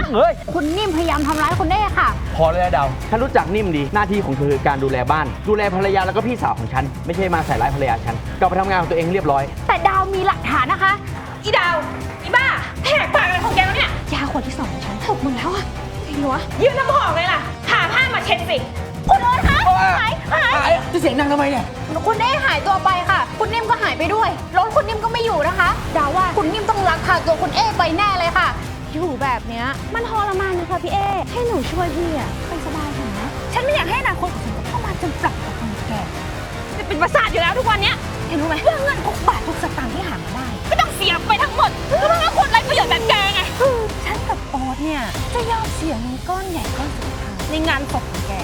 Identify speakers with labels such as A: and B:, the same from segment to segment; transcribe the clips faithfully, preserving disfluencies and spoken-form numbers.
A: เฮ้ย
B: คุณนิ่มพยายามทำร้ายคุณเน่ค่ะ
A: พอเลยนะดาวฉันรู้จักนิ่มดีหน้าที่ของเธอคือการดูแลบ้านดูแลภรรยาแล้วก็พี่สาวของฉันไม่ใช่มาใส่ร้ายภรรยาฉันกลับไปทำงานของตัวเองเรียบร้อย
B: แต่ดาวมีหลักฐานนะคะ
C: อีดาวอีบ้าแหกปากอะไรของแกวะเนี่ย
B: ยาขวดที่สองของฉันหกหมดแล้วอะไอ้หัว
C: ยืนน้ำหอมเลยล่ะหาผ้ามาเช็ดสิ
B: คุณโอ๊ตคะหายหาย
A: หายจะเสียงดังทำไมเนี่ย
B: คุณเน่หายตัวไปค่ะคุณนิ่มก็หายไปด้วยรถคุณนิ่มก็ไม่อยู่นะคะดาวว่าคุณนิ่มต้องลักพาตัวคุณเอไปแน่เลยค่ะอยู่แบบเนี้ยมันทรมานนะคะพี่เอให้หนูช่วยพี่อะไปสบายเถอะนะฉันไม่อยากให้อนาคตของฉันเข้ามาจนปรับกับคนแก่
C: จะเป็นประสาทอยู่แล้วทุกวันเนี้ย
B: เห็นรู้ไหมเรื่องเงินทุกบาททุกสตางค์ที่หามาได้
C: ก็ต้องเสียไปทั้งหมดก็เพราะว่าคนไร้ประโยชน์แบบแกไง
B: ฉันกับโอ๊ตเนี่ยจะยอมเสียเงินก้อนใหญ่ก้อนสุดท้ายในงานศพของแก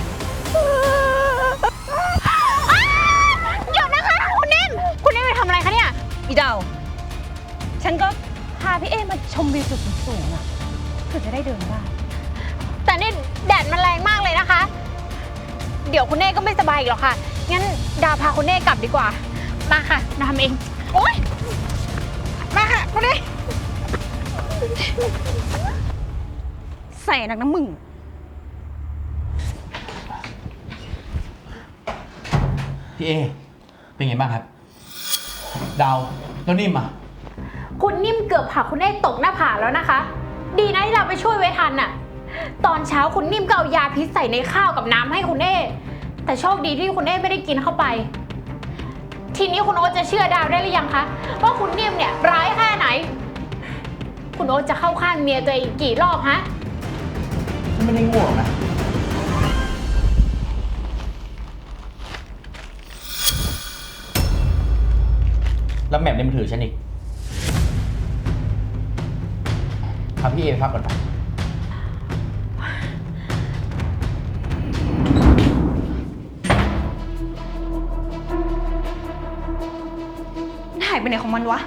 B: หยุดนะคะคุณนิ่มคุณนิ่มไปทำอะไรคะเนี่ย
C: อีดาวฉันก็
B: พาพี่เอมาชมวิวจุดสูงๆอ่ะเพื่อจะได้เดินได้แต่นี่แดดมันแรงมากเลยนะคะเดี๋ยวคุณเน่ก็ไม่สบายอีกหรอกค่ะงั้นดาวพาคุณเน่กลับดีกว่ามาค่ะดาวทำเองโอ๊ยมาค่ะคุณเน่
C: ใส่นักน้ำมึง
A: พี่เอเป็นไงบ้างครับดาวแล้วนิ่มอ่ะ
B: คุณนิ่มเกือบผลักคุณเน่ตกหน้าผาแล้วนะคะดีนะที่เราไปช่วยไว้ทันน่ะตอนเช้าคุณนิ่มก็เอายาพิษใส่ในข้าวกับน้ำให้คุณเน่แต่โชคดีที่คุณเน่ไม่ได้กินเข้าไปทีนี้คุณโอ๊ตจะเชื่อดาวได้หรือยังคะว่าคุณนิ่มเนี่ยร้ายแค่ไหนคุณโอ๊ตจะเข้าข้างเมียตัวเองกี่รอบฮะ
A: ฉันไม่ได้ง่วงนะแล้วแหม่มในมือถือฉันอีกพาพี่เอไปพักก่อนไป
C: หายไปไหนของมันวะ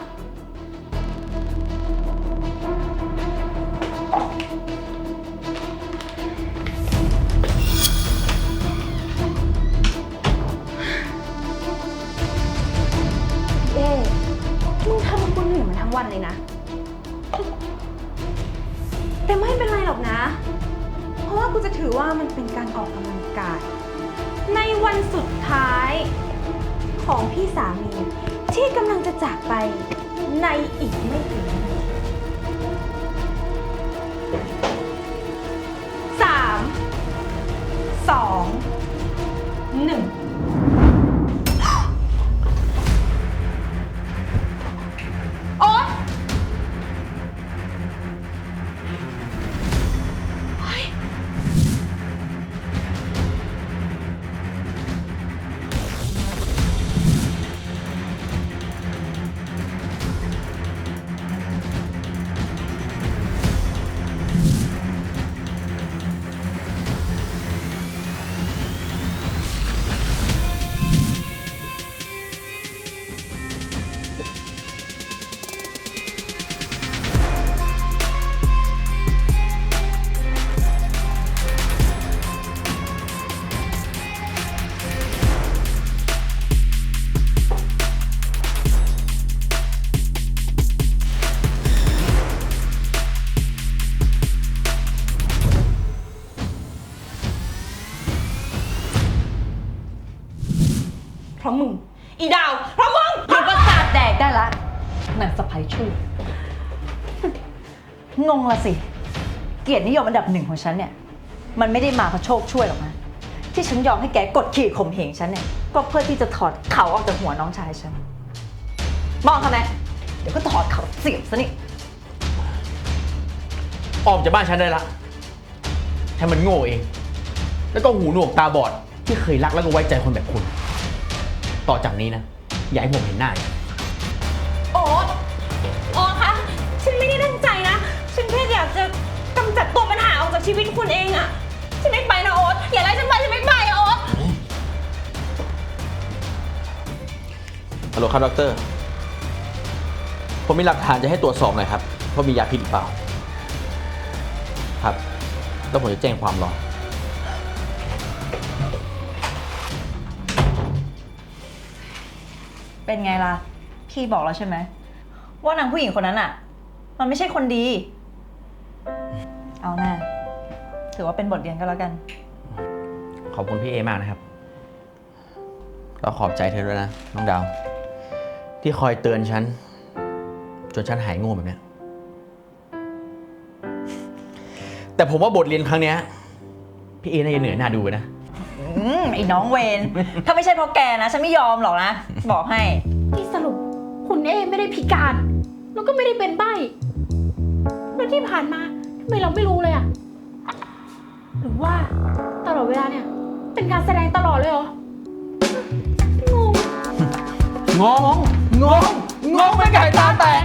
B: เอ๊มึงทำกูเหนื่อยมาทั้งวันเลยนะ
C: แต่ไม่เป็นไรหรอกนะ เพราะว่ากูจะถือว่ามันเป็นการออกกำลังกายในวันสุดท้ายของพี่สามีที่กำลังจะจากไปในอีกไม่กี่นาทีสามสองหนึ่งโอ๊ยเพราะมึงอีดาวเพราะมึง
D: หยุดประสาทแดกได้ละนางสะใภ้ชั่วงงละสิเกียรตินิยมอันดับหนึ่งของฉันเนี่ยมันไม่ได้มาเพราะโชคช่วยหรอกนะที่ฉันยอมให้แกกดขี่ข่มเหงฉันเนี่ยก็เพื่อที่จะถอดเขาออกจากหัวน้องชายฉันมองทำไมเดี๋ยวก็ถอดเขาเสียบซะนี่
A: ออกจากบ้านฉันได้ละฉันมันโง่เองแล้วก็หูหนวกตาบอดที่เคยรักแล้วก็ไว้ใจคนแบบคุณต่อจากนี้นะอย่าให้ผมเห็นหน้า
C: โอ๊ตโอ๊ตคะฉันไม่ได้ตั้งใจนะฉันแค่อยากจะกำจัดตัวปัญหาออกจากชีวิตคุณเองอะฉันไม่ไปนะโอ๊ตอย่าไล่ฉันไปฉันไม่ไปโอ๊ต
A: ฮัลโหลครับดร.ผมมีหลักฐานจะให้ตรวจสอบหน่อยครับว่ามียาพิษหรือเปล่าครับแล้วผมจะแจ้งความรอ
D: เป็นไงล่ะพี่บอกแล้วใช่ไหมว่านางผู้หญิงคนนั้นอ่ะมันไม่ใช่คนดีอเอาหน้าถือว่าเป็นบทเรียนก็แล้วกัน
A: ขอบคุณพี่เอมากนะครับแล้วขอบใจเธอด้วยนะน้องดาว ที่คอยเตือนฉัน จนฉันหายโง่แบบเนี้ยแต่ผมว่าบทเรียนครั้งเนี้ยพี่เอน่าจะเหนื่อยหน้าดูไปนะ
D: อืมไอ้น้องเวน ถ้าไม่ใช่เพราะแกนะ ฉันไม่ยอมหรอกนะ บอกให้
B: ที่สรุปคุณเอไม่ได้พิการ แล้วก็ไม่ได้เป็นใบ้แล้วที่ผ่านมาทำไมเราไม่รู้เลยอะหรือว่าตลอดเวลาเนี่ย เป็นการแสดงตลอดเลยเหรอ งง
A: งง งง งงเป็นไก่ตาแตก